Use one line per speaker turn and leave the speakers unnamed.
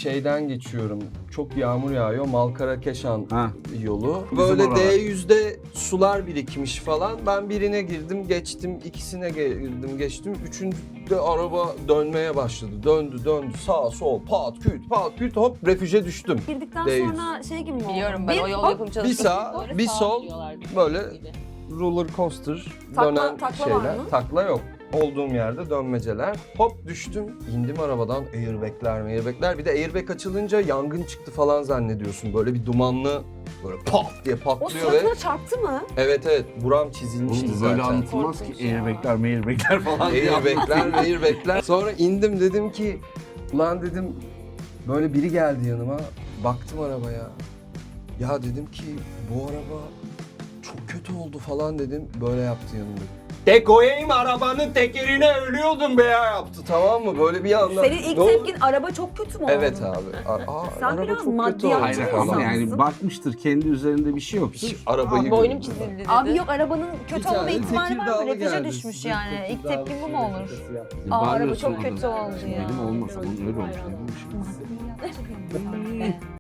şeyden geçiyorum. Çok yağmur yağıyor. Malkara-Keşan yolu.
Bizim
Böyle
oralar.
D100'de sular birikmiş falan. Ben birine girdim, geçtim. İkisine girdim, geçtim. Üçüncüde araba dönmeye başladı. Döndü. Sağ, sol, pat, küt, hop refüje düştüm.
Girdikten
D100.
sonra şey gibi mi oldu?
Biliyorum ben o yol
hop,
yapım
Bir
çalıştım.
sağ, bir sol, böyle roller coaster dönen
takla
şeyler.
var mı?
Takla yok. Olduğum yerde dönmeceler. Hop düştüm. İndim arabadan. Airbag'ler. Bir de airbag açılınca yangın çıktı falan zannediyorsun. Böyle bir dumanlı böyle pat diye
O
patlıyor ve...
suratına çarptı mı?
Evet. Buram çizilmişti
Oğlum
zaten.
böyle anlatılmaz ki
Korkunç ya.
airbag'ler falan.
Airbag'ler. Sonra indim dedim ki... Ulan dedim böyle biri geldi yanıma. Baktım arabaya. Ya dedim ki bu araba çok kötü oldu falan dedim. Böyle yaptı yanımda. Tek koyayım arabanın tekerine ölüyordum be ya yaptı, tamam mı? Böyle bir anda.
Senin ilk
Ne oldu?
tepkin araba çok kötü mü oldu?
Evet abi.
Sen
araba
biraz
çok kötü
maddiyatçı
oldu.
Hayır
Yapacak
ama
mısın?
yani bakmıştır kendi üzerinde bir şey yoktur.
Arabayı
Boynum
gördüm.
çizildi dedi.
Abi yok arabanın kötü
tane
olma ihtimali var mı?
Tekirdağlı
Refüje
geldi.
düşmüş
Size
yani. İlk
Tekirdağlı
tepkin bu mu olur?
şakası yaptı.
Aa, araba
Bağırıyorsun
çok
orada.
kötü oldu ya.
Benim olmasa bunun öyle olmuş.
Maddiyatçı bir insan be.